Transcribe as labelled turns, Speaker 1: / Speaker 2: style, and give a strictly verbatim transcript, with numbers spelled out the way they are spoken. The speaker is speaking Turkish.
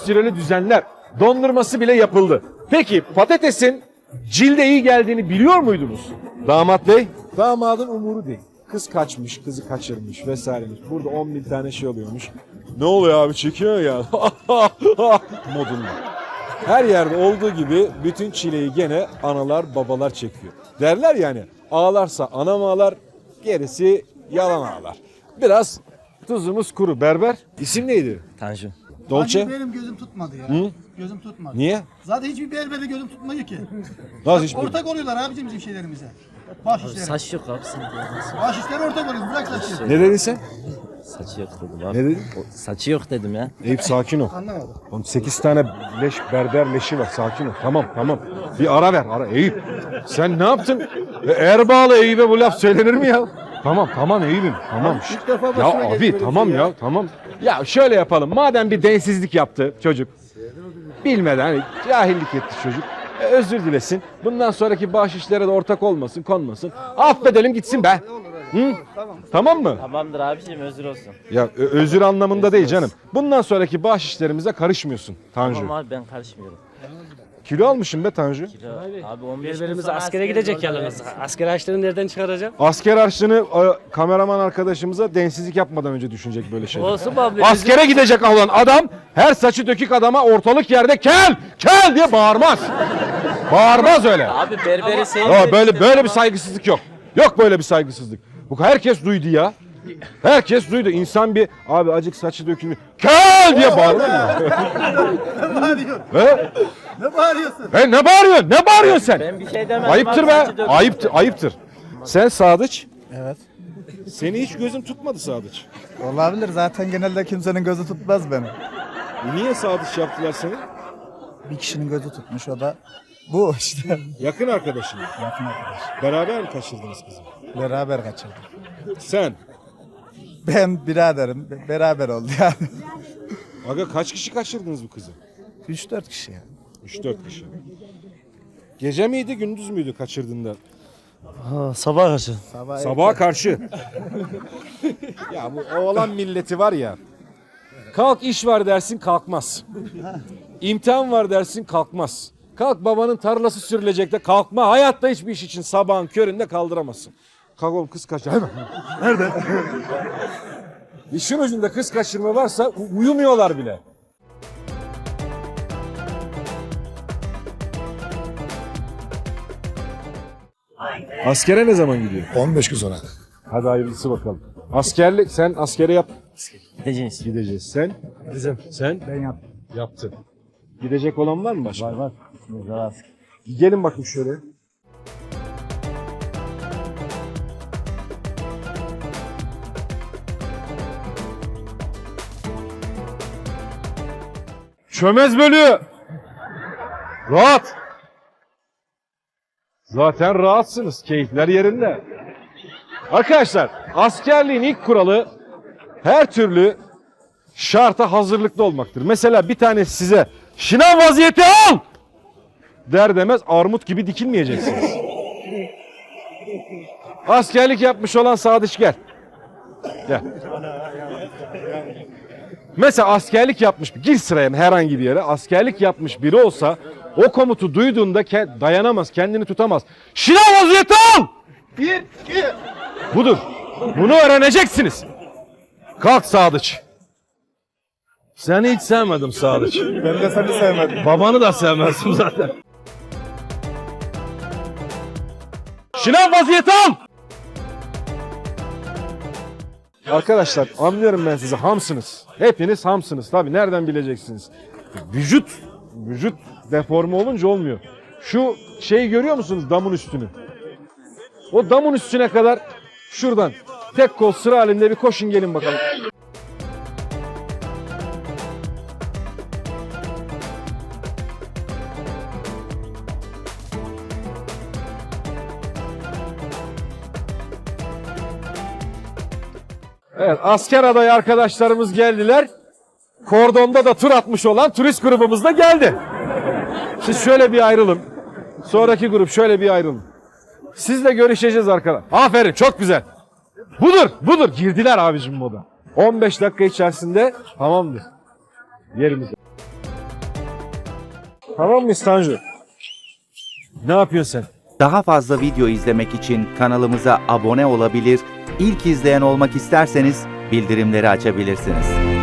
Speaker 1: süreli düzenler. Dondurması bile yapıldı. Peki patatesin cilde iyi geldiğini biliyor muydunuz? Damat bey? Damadın umuru değil. Kız kaçmış, kızı kaçırmış vesairemiş. Burada on bin tane şey oluyormuş. Ne oluyor abi, çekiyor ya. Modunda. Her yerde olduğu gibi bütün çileyi gene analar babalar çekiyor. Derler yani, ağlarsa anam ağlar, gerisi yalan ağlar. Biraz tuzumuz kuru. Berber, isim neydi?
Speaker 2: Tanju.
Speaker 1: Dolce?
Speaker 3: Abi benim gözüm tutmadı ya.
Speaker 1: Hı?
Speaker 3: Gözüm tutmadı.
Speaker 1: Niye?
Speaker 3: Zaten hiçbir berberde gözüm tutmuyor ki.
Speaker 1: Nasıl hiçbir?
Speaker 3: Ortak oluyorlar abicim bizim şeylerimize. Baş işleri.
Speaker 2: Saç yok abi sen de.
Speaker 3: Baş işleri ortak oluyor. Bırak saçı.
Speaker 1: Ne dedin sen?
Speaker 2: Saçı yok dedim abi.
Speaker 1: Ne dedin?
Speaker 2: O, saçı yok dedim ya.
Speaker 1: Eyüp sakin ol.
Speaker 3: Anlamadım.
Speaker 1: Oğlum sekiz tane leş, berber leşi var. Sakin ol. Tamam tamam. Bir ara ver. Ara. Eyüp. Sen ne yaptın? E, Erbağlı Eyüp'e bu laf söylenir mi ya? Tamam tamam Eyüp'üm. Tamam.
Speaker 3: İlk defa
Speaker 1: Ya
Speaker 3: başıma geldi
Speaker 1: abi
Speaker 3: böyle bir
Speaker 1: tamam
Speaker 3: şey
Speaker 1: ya. Tamam. Ya şöyle yapalım. Madem bir densizlik yaptı çocuk. Bilmeden hani cahillik etti çocuk. E, özür dilesin. Bundan sonraki bahşişlere de ortak olmasın, konmasın. Affedelim gitsin be. Hı? Tamam mı?
Speaker 2: Tamamdır abiciğim özür olsun.
Speaker 1: Ya ö- özür anlamında değil canım. Bundan sonraki bahşişlerimize karışmıyorsun Tanju.
Speaker 2: Tamam abi ben karışmıyorum.
Speaker 1: Kilo almışım be Tanju.
Speaker 2: Kilo, abi on beş gün
Speaker 4: Berberimiz
Speaker 2: sonra
Speaker 4: askere gidecek
Speaker 2: orada
Speaker 4: yalnız. Asker harçlığını nereden çıkaracağım?
Speaker 1: Asker harçlığını e, kameraman arkadaşımıza densizlik yapmadan önce düşünecek böyle şeyler.
Speaker 4: Olsun mu abi?
Speaker 1: Askere gidecek olan adam her saçı dökük adama ortalık yerde kel kel diye bağırmaz. Bağırmaz öyle.
Speaker 2: Abi berberi
Speaker 1: Ya
Speaker 2: sevmiyorum.
Speaker 1: böyle böyle bir saygısızlık yok. Yok böyle bir saygısızlık. Bu herkes duydu ya. Herkes duydu. İnsan bir abi acık saçı dökülmüş. Kel diye bağırır mı?
Speaker 3: Ne bağırıyorsun?
Speaker 1: He?
Speaker 3: Ne bağırıyorsun?
Speaker 1: He ne bağırıyorsun? Ne bağırıyorsun sen?
Speaker 2: Ben bir şey demedim.
Speaker 1: Ayıptır
Speaker 2: abi,
Speaker 1: be.
Speaker 2: saçı dökülmüş.
Speaker 1: Ayıptır, ayıptır. Sen Sadıç.
Speaker 3: Evet.
Speaker 1: Seni hiç gözüm tutmadı Sadıç.
Speaker 3: Olabilir. Zaten genelde kimsenin gözü tutmaz beni.
Speaker 1: E niye Sadıç yaptılar seni?
Speaker 3: Bir kişinin gözü tutmuş o da bu işte.
Speaker 1: Yakın arkadaşın.
Speaker 3: Yakın arkadaş.
Speaker 1: Beraber mi kaçırdınız kızı?
Speaker 3: Beraber kaçırdık.
Speaker 1: Sen.
Speaker 3: Ben biraderim. be- Beraber oldu yani.
Speaker 1: Aga kaç kişi kaçırdınız bu kızı?
Speaker 3: üç dört kişi yani.
Speaker 1: üç dört kişi. Gece miydi gündüz müydü kaçırdığında?
Speaker 4: Ha, sabah karşı.
Speaker 3: Sabah
Speaker 1: Sabaha karşı. Ya bu oğlan milleti var ya. Kalk iş var dersin kalkmaz. İmtihan var dersin kalkmaz. Kalk babanın tarlası sürülecek de kalkma. Hayatta hiçbir iş için sabahın köründe kaldıramazsın. Kalk oğlum kız kaçır. Hemen. Nerede? İşin ucunda kız kaçırma varsa u- uyumuyorlar bile. Askere ne zaman gidiyor?
Speaker 3: on beş gün sonra.
Speaker 1: Hadi hayırlısı bakalım. Askerlik sen askere yap.
Speaker 2: Gideceğiz.
Speaker 1: Gideceğiz. Sen?
Speaker 4: Bizim.
Speaker 1: Sen?
Speaker 3: Ben yaptım.
Speaker 1: Yaptın. Gidecek olan var mı başka? Var var.
Speaker 2: Güzel.
Speaker 1: Gelin bakayım şöyle. Çömez bölüğü. Rahat. Zaten rahatsınız. Keyifler yerinde. Arkadaşlar askerliğin ilk kuralı her türlü şarta hazırlıklı olmaktır. Mesela bir tanesi size şınav vaziyeti al der demez armut gibi dikilmeyeceksiniz. Askerlik yapmış olan Sadıç gel. Gel. Mesela askerlik yapmış, gir sıraya herhangi bir yere, askerlik yapmış biri olsa o komutu duyduğunda ke- dayanamaz, kendini tutamaz. Şınav vaziyeti al!
Speaker 3: Bir, iki.
Speaker 1: Budur. Bunu öğreneceksiniz. Kalk Sadıç. Seni hiç sevmedim Sadıç.
Speaker 3: Ben de seni sevmedim.
Speaker 1: Babanı da sevmezdim zaten. Şınav vaziyeti al! Arkadaşlar anlıyorum ben sizi, hamsınız. Hepiniz hamsınız tabii, nereden bileceksiniz? Vücut, vücut deforme olunca olmuyor. Şu şeyi görüyor musunuz, damın üstünü? O damın üstüne kadar şuradan tek kol sıra halinde bir koşun gelin bakalım. Evet, asker adayı arkadaşlarımız geldiler. Kordonda da tur atmış olan turist grubumuz da geldi. Siz şöyle bir ayrılın. Sonraki grup şöyle bir ayrılın. Sizle görüşeceğiz arkadaşlar. Aferin, çok güzel. Budur, budur. Girdiler abicim moda. on beş dakika içerisinde tamamdır. Yerimize. Tamam mı Tanju? Ne yapıyorsun sen?
Speaker 5: Daha fazla video izlemek için kanalımıza abone olabilir, ilk izleyen olmak isterseniz bildirimleri açabilirsiniz.